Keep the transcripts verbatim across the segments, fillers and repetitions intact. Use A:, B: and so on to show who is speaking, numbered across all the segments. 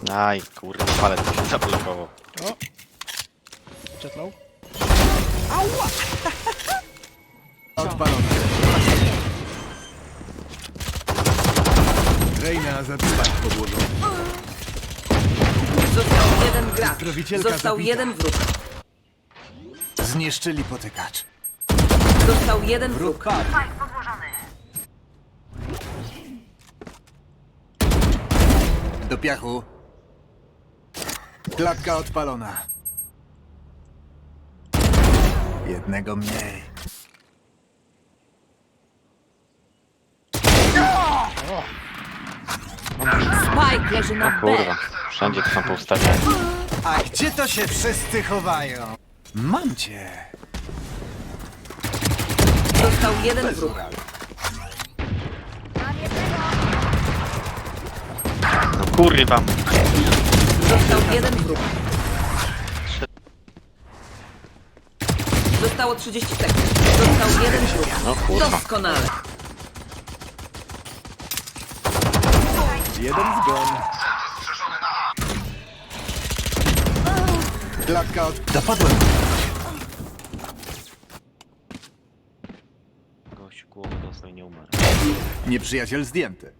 A: Aj, kurde, palet się zablokował.
B: O! Jetlow.
C: Odpalony. Reina zabiła podłożony.
D: Został jeden gracz.
C: Zdrowicielka
D: Został
C: zabita.
D: jeden wróg.
C: Zniszczyli potykacz.
D: Został jeden
C: Wróg
D: wróg.
C: padł. Do piachu. Klatka odpalona. Jednego mniej.
D: Spike leży na B.
A: Kurwa, wszędzie to są poustawiane.
C: A gdzie to się wszyscy chowają? Mam cię.
D: Został jeden wróg.
A: No kurwa.
D: Został jeden wróg. Zostało trzydzieści sekund. Został jeden wróg.
A: No kurwa.
D: Doskonale.
C: Jeden zgon. Klatka od... Dopadłem.
A: Gość głowę dostał i nie umarł.
C: Nieprzyjaciel zdjęty.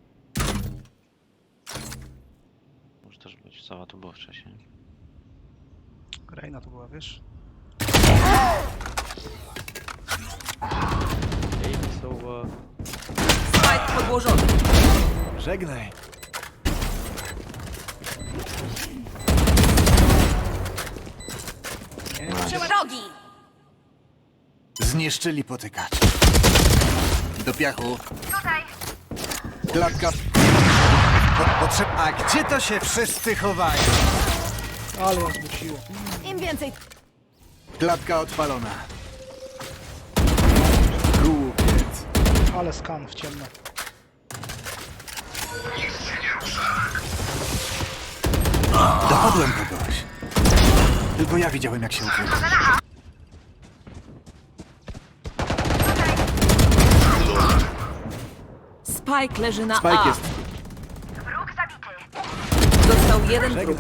A: Może też być, cała to było wcześniej.
B: Reina to była, wiesz?
D: Spike podłożony.
C: Żegnaj.
D: Drogi.
C: Zniszczyli potykacz. Do piachu. Klatka... Po, potrzeb... A gdzie to się wszyscy chowają?
B: Ale ją zmusiło.
E: Im więcej.
C: Klatka odpalona. Głupiec.
B: Ale skan w ciemno.
C: Dopadłem kogoś. Tylko ja widziałem, jak się ukrył.
D: Spike leży na
C: Spike
D: A.
C: jest...
D: Został jeden wróg.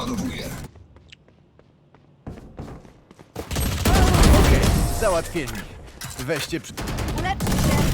C: Okej, załatwieni. Weźcie przy...
E: Uleczcie się.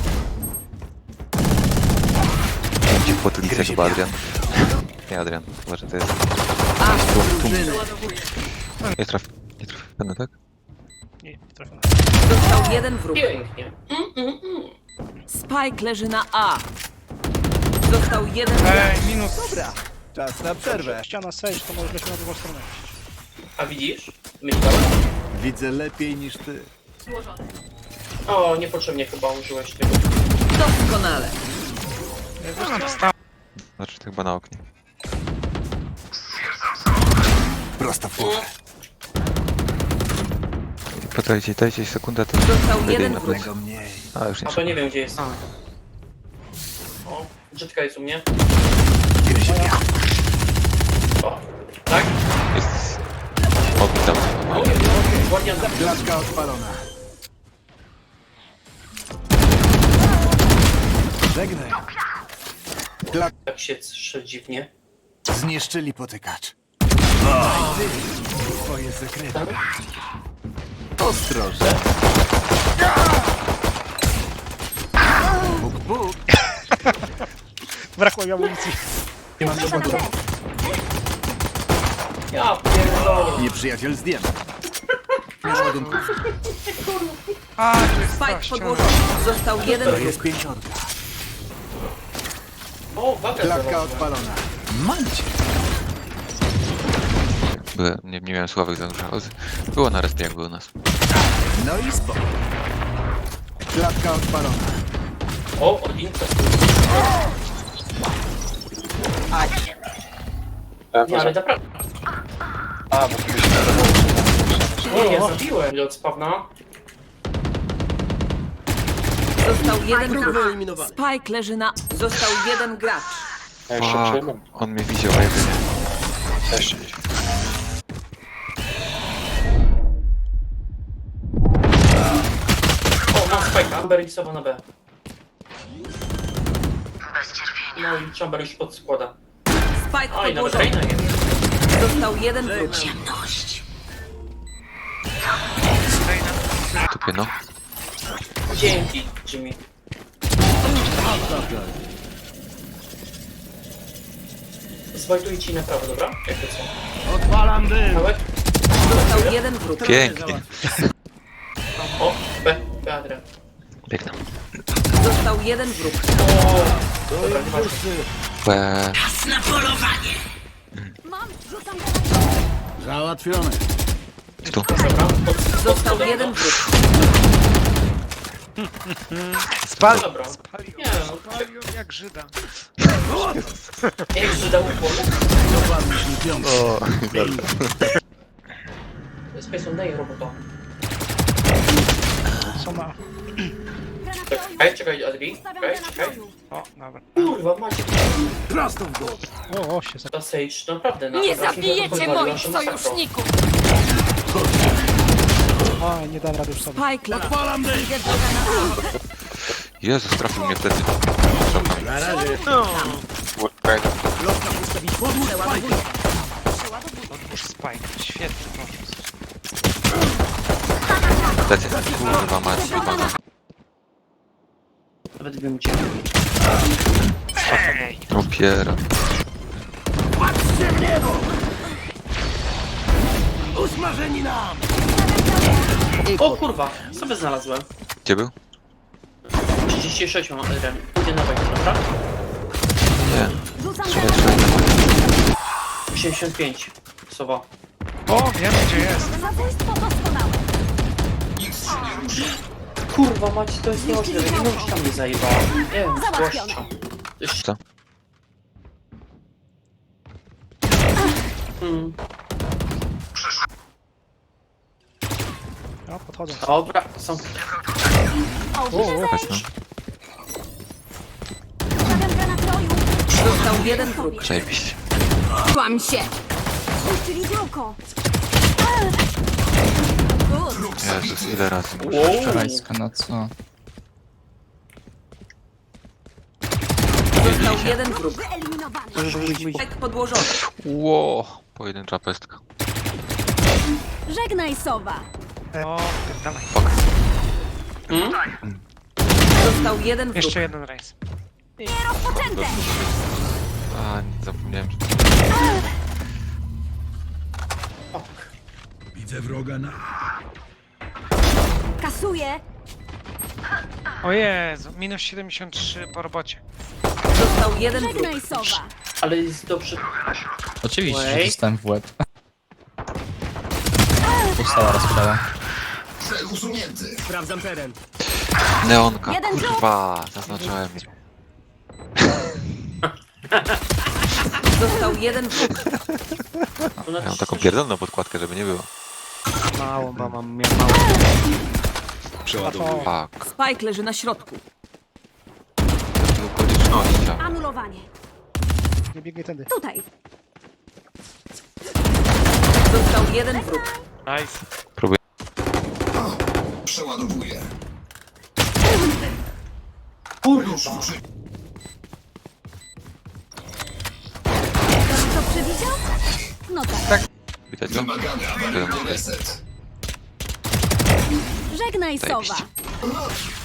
F: Ci w potylicę
C: Gryzie
F: chyba
C: mnie.
F: Adrian. Nie Adrian, chyba że to jest...
D: A drużyny.
F: Nie traf... Nie trafiony, tak?
B: Nie, nie trafiona.
D: Został jeden wróg.
G: Pięknie.
D: Spike leży na A. Został jeden wróg.
B: Ej, minus.
C: Dobra. Czas na przerwę.
B: Ściana sage, to może leci na drugą stronę.
G: A widzisz? Myślałem?
C: Widzę lepiej niż ty.
G: O, niepotrzebnie chyba użyłeś tego.
D: Doskonale.
F: Znaczy to chyba na oknie.
C: Prosto w głowę.
F: Poczekajcie, dajcie sekundę, to...
D: Został
F: wtedy
D: jeden
F: na
D: wróg.
C: Jednego mniej.
F: A, już nie
G: A to
F: trzeba.
G: nie wiem gdzie jest. O, brzydka jest u mnie.
C: Gryzie mnie.
G: O, tak?
F: Jest... Okno tam.
G: O, Guardian za...
C: Klatka odpalona. Żegnaj. Klak...
G: Tak się trze dziwnie.
C: Zniszczyli potykacz. Twoje sekrety. Ostrożnie. Buk, buk.
B: Brakło mi amunicji.
G: Nie mam żadnego. Ja pierdolę.
C: Nieprzyjaciel zdjęty. Ładunków.
B: A, tu jest ta
D: Spike
B: ściana.
D: podłożony. Został jeden
C: To
D: wróg.
C: jest pięciorka.
G: O, waga
C: Klatka
G: zaraz.
C: odpalona. Mam cię.
F: Byłem, nie, nie miałem sławek za dużo, ale było na respie jak było u nas.
C: No i spoko. Klatka odpalona.
G: O, odinka. Nie, ale naprawdę.
H: A, bo tu się
G: Nie, ja zabiłem od spawna.
D: Został jeden wróg. Spike leży na... Został jeden gracz.
H: Ja jeszcze
F: Fuck,
H: przyjmę.
F: on mnie widział, a ja go nie.
H: Jeszcze.
G: O, mam spajka. Chamber lisował na B. No i Chamber już podskłada.
D: Spike
G: Oj, nawet
D: podłożony.
G: Reina jest.
D: Został jeden wróg.
F: Tupie, no.
G: Dzięki, Jimmy. Zwajtuję ci na prawo, dobra? Jak to co?
B: Odpalam dym!
G: Kawałek?
D: Został jeden wróg.
F: Pięknie.
G: O, B, B, Adrian.
F: Biegnę.
D: Został jeden wróg.
G: O, dobra, nieważne.
F: Łe.
E: Mam, rzucam granat.
F: Tu.
G: Dobra, pod, pod
D: Został
G: spodem,
D: jeden
G: no.
D: wróg.
G: Spal. Dobra. Nie, no,
B: Palił jak Żyda.
G: nie wiem, czy dał pomóc.
A: O,
G: Space on daj robota.
B: Co ma?
G: Czekaj, czekaj, Adri.
E: Stawiam
G: Czekaj,
E: granat
G: czekaj.
E: roju.
B: O, dobra.
G: Kurwa, macie
B: O, o, się za...
G: ta Sage, naprawdę. na-
E: Nie
G: na-
E: zabijecie
G: pozwoliła,
E: moich
G: że masakra.
E: sojuszników!
B: O, nie dam rady już sobie.
D: Spike leży. Idę do granatu.
F: Jezus, trafił mnie wtedy.
D: Przeładowuję.
B: Odłóż spike. Świetny pomysł.
F: Lecę. Kurwa mać, jebana.
G: Nawet bym cię.
F: Opiera.
G: O kurwa, sobie znalazłem.
F: Gdzie był?
G: trzydzieści sześć mam, Adrian. Idzie na wejście, dobra?
F: Nie.
E: Rzucam
F: Strzelaj,
E: granat.
F: strzelaj.
G: osiemdziesiąt pięć. Sowa.
B: O, wiem gdzie jest.
E: Zabójstwo doskonałe.
G: Kurwa mać, to jest niemożliwe. Nie mówisz tam mnie zajebała. Nie wiem,
E: Załatwione.
G: gościa. Jeszcze.
F: Co?
G: Hmm.
B: No, podchodzę.
G: Dobra, są.
B: O, o.
F: Chodź, no.
E: Stawiam granat roju.
D: Został jeden wróg.
F: Przejebiście.
E: Kłam się! Puścili biurko!
F: Jezus, ile razy.
G: Wow.
I: Wczorajska, no co?
D: Został jeden wróg.
E: Wyeliminowany.
D: Spike podłożony.
F: Ło. Pojedyncza pestka.
E: Żegnaj, sowa!
B: O, dawaj.
G: Hmm?
D: Został jeden wróg.
B: Jeszcze jeden rejs.
E: Rozpoczęte!
F: A, nie zapomniałem. że-
E: Kasuję!
B: O Jezu, minus siedemdziesiąt trzy po robocie.
D: Został jeden wróg.
E: Żegnaj, sowa!
G: Ale jest dobrze.
I: Oczywiście, że
G: Wait.
I: dostałem w łeb. Została rozprawa.
F: Neonka,
E: Jeden
F: kurwa. Zaznaczałem.
D: Został jeden wróg.
G: Ona
F: Ja mam taką pierdolną podkładkę, żeby nie było.
B: Mało, bo mam miał mało. Przeładowuję.
F: Fuck.
D: Spike leży na środku.
F: W okolicznościach.
E: Anulowanie.
B: Nie biegnie tędy.
E: Tutaj.
D: Został jeden wróg.
B: Nice.
F: Próbuję.
G: kurwa.
E: Co przewidział? No tak.
F: Widać go? Wiadomo.
E: Żegnaj, sowa!
F: Zajebiście.